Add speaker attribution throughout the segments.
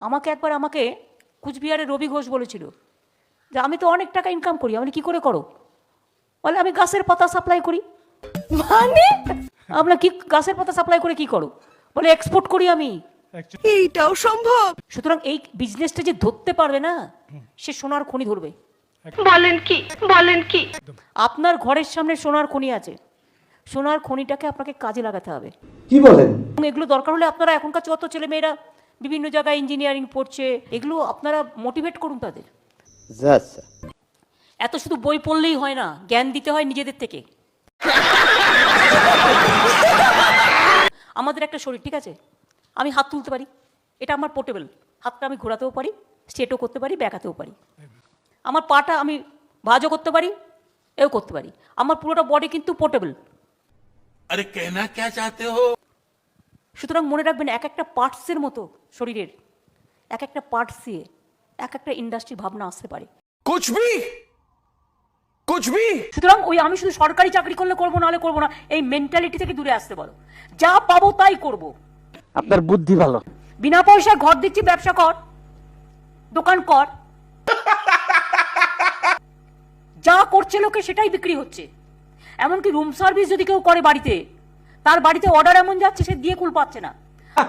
Speaker 1: আমাকে কুচবিহারের রবি ঘোষ বলেছিল যে আমি তো অনেক টাকা ইনকাম করি, আমি কি করে করো? বলে আমি গাছের পাতা সাপ্লাই করি। মানে আমরা কি গাছের পাতা সাপ্লাই করে কি করো? বলে এক্সপোর্ট করি আমি।
Speaker 2: এইটাও সম্ভব?
Speaker 1: সুতরাং এই বিজনেসটা যে ধরতে পারবে না, সে সোনার খনি ধরবে।
Speaker 2: বলেন কি?
Speaker 1: আপনার ঘরের সামনে সোনার খনি আছে, সোনার খনিটাকে আপনাকে কাজে লাগাতে হবে।
Speaker 3: কি বলেন?
Speaker 1: এবং এগুলো দরকার হলে আপনারা এখনকার যত ছেলেমেয়েরা বিভিন্ন জায়গায় ইঞ্জিনিয়ারিং পড়ছে, এগুলো আপনারা মোটিভেট করুন তাদের।
Speaker 3: আচ্ছা,
Speaker 1: এত শুধু বই পড়লেই হয় না, জ্ঞান দিতে হয় নিজেদের থেকে। আমাদের একটা শরীর, ঠিক আছে, আমি হাত তুলতে পারি, এটা আমার পোর্টেবল। হাতটা আমি ঘোরাতেও পারি, স্ট্রেটও করতে পারি, ব্যাকাতেও পারি। আমার পাটা আমি ভাঁজও করতে পারি, এও করতে পারি। আমার পুরোটা বডি কিন্তু পোর্টেবল।
Speaker 4: अरे कहना क्या चाहते हो?
Speaker 1: সুতরাং মনে রাখবেন, এক একটা পার্টসের মতো শরীরের এক একটা পার্টস দিয়ে এক একটা ইন্ডাস্ট্রি ভাবনা আসতে পারে।
Speaker 4: कुछ भी
Speaker 1: সুতরাং ওই আমি শুধু সরকারি চাকরি করলে করবো, নাহলে করবো না, এই মেন্টালিটি থেকে দূরে আসতে বলো। যা পাবো তাই করব।
Speaker 3: আপনার বুদ্ধি ভালো।
Speaker 1: বিনা পয়সায় ঘর দিচ্ছি, ব্যবসা কর, দোকান কর। যা করছে লোকে সেটাই বিক্রি হচ্ছে। এমনকি রুম সার্ভিস যদি কেউ করে বাড়িতে, তার বাড়িতে অর্ডার এমন যাচ্ছে সে দিয়ে কুল পাচ্ছে না।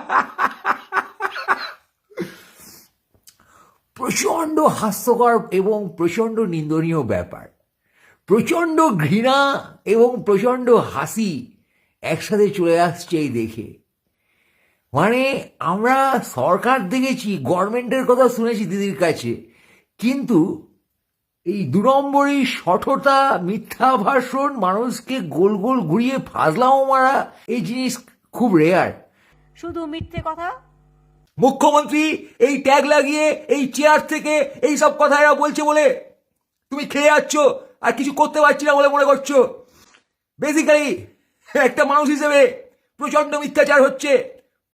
Speaker 5: প্রচণ্ড হাস্যকর এবং প্রচণ্ড নিন্দনীয় ব্যাপার। প্রচণ্ড ঘৃণা এবং প্রচণ্ড হাসি একসাথে চলে আসছে এই দেখে। মানে আমরা সরকার দেখেছি, গভর্নমেন্টের কথা শুনেছি দিদির কাছে, কিন্তু এই 2 নম্বরই সঠতা, মিথ্যা ভাষণ, মানুষকে গোল গোল ঘুরিয়ে ফাজলামো মারা, এই জিনিস খুব রেয়ার।
Speaker 1: শুধু মিথ্যে কথা।
Speaker 5: মুখ্যমন্ত্রী এই ট্যাগ লাগিয়ে এই চেয়ার থেকে এই সব কথা এরা বলছে বলে তুমি খেয়ে যাচ্ছ আর কিছু করতে পারছি না বলে মনে করছো। বেসিক্যালি একটা মানুষ হিসেবে প্রচন্ড মিথ্যাচার হচ্ছে।